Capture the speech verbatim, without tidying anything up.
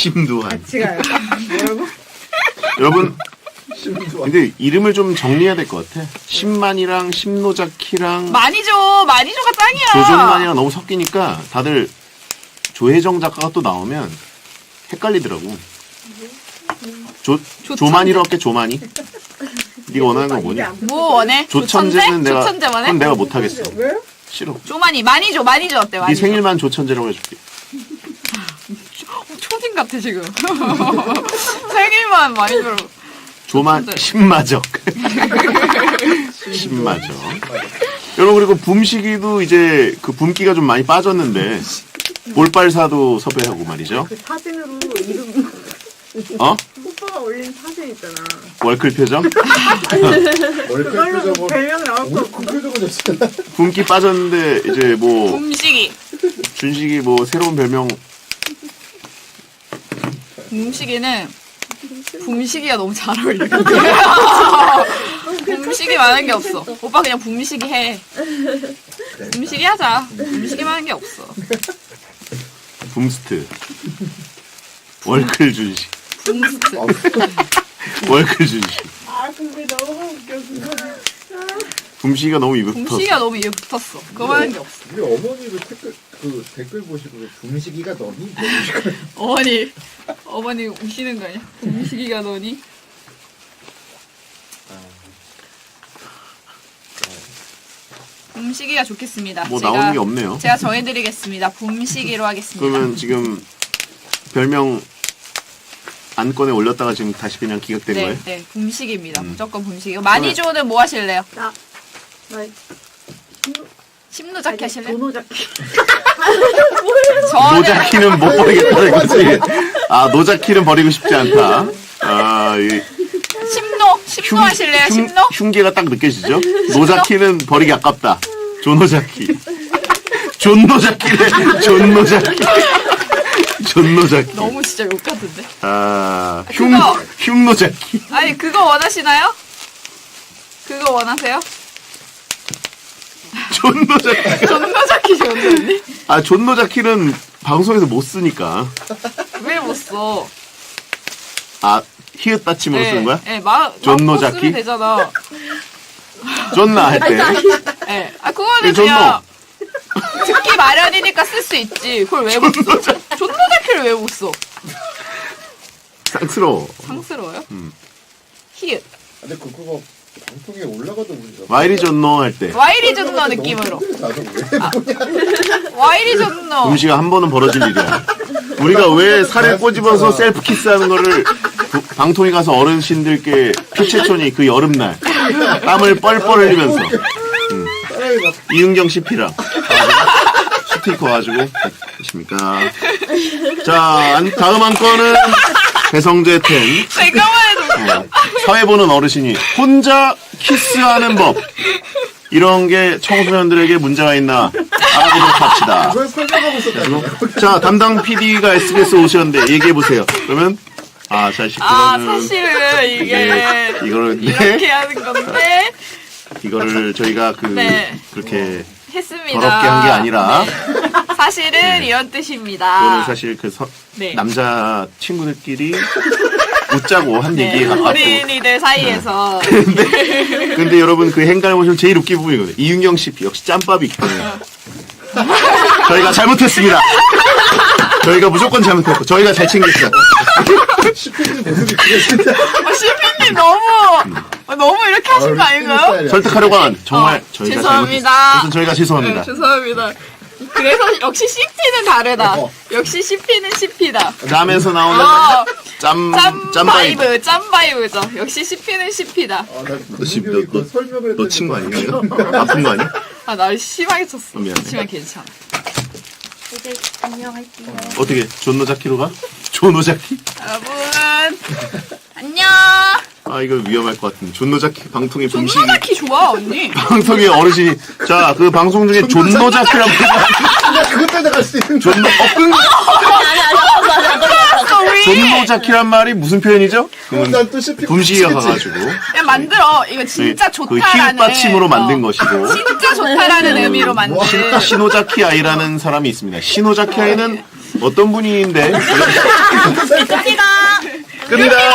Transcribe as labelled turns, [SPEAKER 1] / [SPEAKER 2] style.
[SPEAKER 1] 심두환.
[SPEAKER 2] 같이 가요. 뭐라고?
[SPEAKER 1] 여러분,
[SPEAKER 3] 심두환.
[SPEAKER 1] 근데 이름을 좀 정리해야 될 것 같아. 심만이랑 심노자키랑
[SPEAKER 4] 많이죠. 많이죠가 짱이야.
[SPEAKER 1] 조종만이랑 너무 섞이니까 다들 조혜정 작가가 또 나오면 헷갈리더라고. 조, 조만이로 할게, 조만이. 네가 원하는 거 뭐냐?
[SPEAKER 4] 뭐 원해?
[SPEAKER 1] 조천재는 내가,
[SPEAKER 4] 조천재 원해?
[SPEAKER 1] 그건 내가 못하겠어.
[SPEAKER 2] 왜요?
[SPEAKER 1] 싫어.
[SPEAKER 4] 조만이 많이죠. 많이죠 어때?
[SPEAKER 1] 네
[SPEAKER 4] 많이죠.
[SPEAKER 1] 생일만 조천재라고 해줄게.
[SPEAKER 4] 초딩 같아 지금. 생일만 많이죠.
[SPEAKER 1] 조만,
[SPEAKER 4] 조천재.
[SPEAKER 1] 신마적. 신마적. 여러분, 그리고 붐식이도 이제 그 붐기가 좀 많이 빠졌는데, 볼빨사도 섭외하고 말이죠.
[SPEAKER 2] 그 사진으로 이름
[SPEAKER 1] 어?
[SPEAKER 2] 오빠가 올린 사진 있잖아.
[SPEAKER 1] 월클 표정?
[SPEAKER 3] 월클
[SPEAKER 2] 그걸로 뭐
[SPEAKER 3] 표정은
[SPEAKER 2] 별명 나올 거
[SPEAKER 3] 오늘
[SPEAKER 2] 없고.
[SPEAKER 3] 그 표정은 줬잖아.
[SPEAKER 1] 붐기 빠졌는데, 이제 뭐,
[SPEAKER 4] 붐식이.
[SPEAKER 1] 준식이 뭐, 새로운 별명,
[SPEAKER 4] 붐식이는 붐식이가 너무 잘 어울려. 붐식이 많은 게 없어. 오빠 그냥 붐식이 해. 붐식이 하자. 붐식이 많은 게 없어.
[SPEAKER 1] 붐스트. 월클 준식.
[SPEAKER 4] 붐스트.
[SPEAKER 1] 월클 준식.
[SPEAKER 2] 아 근데 너무 웃겨 그거.
[SPEAKER 1] 붐식이가 너무 입에 붙었어.
[SPEAKER 4] 붐식이가 너무 입에 붙었어. 그거 많은 게 없어.
[SPEAKER 3] 우리 어머니도 댓글 그 댓글 보시고 붐식이가 너니?
[SPEAKER 4] 어머니, 어머니 우시는 거 아니야? 붐식이가 너니? 붐식이가 좋겠습니다.
[SPEAKER 1] 뭐
[SPEAKER 4] 제가,
[SPEAKER 1] 나오는 게 없네요.
[SPEAKER 4] 제가 정해드리겠습니다. 붐식이로 하겠습니다.
[SPEAKER 1] 그러면 지금 별명 안건에 올렸다가 지금 다시 그냥 기각된
[SPEAKER 4] 네,
[SPEAKER 1] 거예요?
[SPEAKER 4] 네, 붐식입니다.
[SPEAKER 1] 음.
[SPEAKER 4] 무조건 붐식이고. 마니조는 뭐 하실래요?
[SPEAKER 2] 나 나.
[SPEAKER 4] 심노자키 하실래요?
[SPEAKER 2] 도노자키.
[SPEAKER 4] 저는
[SPEAKER 1] 노자키는 못 버리겠다는 거지. 아, 노자키는 버리고 싶지 않다. 아, 이
[SPEAKER 4] 심노, 심노 하실래요?
[SPEAKER 1] 흉,
[SPEAKER 4] 심노?
[SPEAKER 1] 흉계가 딱 느껴지죠? 노자키는 버리기 아깝다. 조노자키. 존노자키네. 존노자키. 존노자키.
[SPEAKER 4] 너무 진짜 욕 같은데.
[SPEAKER 1] 아, 흉,
[SPEAKER 4] 그거.
[SPEAKER 1] 흉노자키.
[SPEAKER 4] 아니 그거 원하시나요? 그거 원하세요?
[SPEAKER 1] 존노자키.
[SPEAKER 4] 존노자키 좋은데?
[SPEAKER 1] 아, 존노자키는 방송에서 못 쓰니까.
[SPEAKER 4] 왜 못 써?
[SPEAKER 1] 아, 히읗 받침으로 쓰는 거야?
[SPEAKER 4] 네, 마,
[SPEAKER 1] 존노자키?
[SPEAKER 4] 쓰면 되잖아.
[SPEAKER 1] 존나 할 때.
[SPEAKER 4] 네. 아, 그거는
[SPEAKER 1] 예, 존노.
[SPEAKER 4] 그냥 듣기 마련이니까 쓸 수 있지. 그걸 왜 못 써? 존노자키를 왜 못 써?
[SPEAKER 1] 쌍스러워.
[SPEAKER 4] 상스러워요?
[SPEAKER 1] 음.
[SPEAKER 4] 히읗.
[SPEAKER 3] 근데 그 그거 방송에 올라가도 문제.
[SPEAKER 1] 와이리 존노 할 때.
[SPEAKER 4] 와이리 존노 느낌으로. 와이리 존노.
[SPEAKER 1] 음식가 한 번은 벌어질 일이야. 우리가 왜 살을 꼬집어서 셀프 키스하는 거를 부- 방통위 가서 어르신들께 피채촌이 그 여름날 땀을 뻘뻘 흘리면서 음.
[SPEAKER 3] 사람이 막
[SPEAKER 1] 이은경 씨피랑 스티커 가지고 계십니까? 자, 안- 다음 한 건은 배성재 텐.
[SPEAKER 4] 잠깐만 해도
[SPEAKER 1] 어, 사회 보는 어르신이 혼자 키스하는 법 이런 게 청소년들에게 문제가 있나 알아보도록 합시다.
[SPEAKER 3] 그걸 설명하고 있었다고.
[SPEAKER 1] 자, 담당 피디가 에스비에스 오셨는데 얘기해 보세요. 그러면 아, 자,
[SPEAKER 4] 아,
[SPEAKER 1] 그거는
[SPEAKER 4] 사실은 이게
[SPEAKER 1] 이거를
[SPEAKER 4] 이렇게
[SPEAKER 1] 네,
[SPEAKER 4] 하는 건데
[SPEAKER 1] 이거를 저희가 그
[SPEAKER 4] 네.
[SPEAKER 1] 그렇게
[SPEAKER 4] 했습니다.
[SPEAKER 1] 더럽게 한 게 아니라
[SPEAKER 4] 네. 사실은 이런 뜻입니다.
[SPEAKER 1] 그거는 사실 그 서-
[SPEAKER 4] 네.
[SPEAKER 1] 남자 친구들끼리 웃자고 한
[SPEAKER 4] 네,
[SPEAKER 1] 얘기에 가깝고.
[SPEAKER 4] 어린이들 사이에서
[SPEAKER 1] 근데 여러분 그 행간을 보시면 제일 웃긴 부분이거든요. 이윤경 씨 역시 짬밥이 있기 때문에 저희가 잘못했습니다. 저희가 무조건 잘못했고 저희가 잘 챙겼어요.
[SPEAKER 3] 시피님 모습이 그랬는데.
[SPEAKER 4] 어, 시피님 너무 어, 너무 이렇게 하신 거 아닌가요?
[SPEAKER 1] 설득하려고 한 정말
[SPEAKER 4] 어,
[SPEAKER 1] 저희가
[SPEAKER 4] 죄송합니다.
[SPEAKER 1] 잘못했어요. 그래서 저희가 죄송합니다.
[SPEAKER 4] 네, 죄송합니다. 그래서 역시 씨피는 다르다.
[SPEAKER 3] 어.
[SPEAKER 4] 역시 씨피는 씨피다.
[SPEAKER 1] 람에서 나오는
[SPEAKER 4] 어,
[SPEAKER 1] 짬,
[SPEAKER 4] 짬
[SPEAKER 1] 짬 바이브.
[SPEAKER 4] 바이브, 짬 바이브죠. 역시 씨피는 씨피다.
[SPEAKER 3] 아, 나
[SPEAKER 1] 너 지금
[SPEAKER 3] 분명히
[SPEAKER 1] 너-
[SPEAKER 3] 그 설명을
[SPEAKER 1] 너
[SPEAKER 3] 했더니
[SPEAKER 1] 친 거 아니야? 이거? 아픈 거 아니야?
[SPEAKER 4] 아, 나 심하게 쳤어.
[SPEAKER 1] 어, 미안해.
[SPEAKER 4] 그렇지만 괜찮아.
[SPEAKER 2] 이제 안녕할게요.
[SPEAKER 1] 어떻게 존노자키로 가? 존노자키?
[SPEAKER 4] 여러분, 안녕.
[SPEAKER 1] 아 이거 위험할 것 같은데 존노자키 방통의 붐식이
[SPEAKER 4] 존노자키 좋아, 언니.
[SPEAKER 1] 방통의 어르신이 자 그 방송 중에 존노자키라고
[SPEAKER 3] 나 그것 때문에 갈 수 있는
[SPEAKER 1] 존노 어 끈. 존노자키란 말이 무슨 표현이죠? 그건
[SPEAKER 3] 난또 시피
[SPEAKER 1] 붐식이가 가가지고
[SPEAKER 4] 그냥 만들어. 이거 진짜
[SPEAKER 1] 그
[SPEAKER 4] 좋다라는.
[SPEAKER 1] 히읗 받침으로 만든
[SPEAKER 4] 어,
[SPEAKER 1] 것이고
[SPEAKER 4] 진짜 좋다라는 의미로 만든.
[SPEAKER 1] 신- 시노자키 아이라는 사람이 있습니다. 시노자키 아이는 어떤 분인데 끝니다.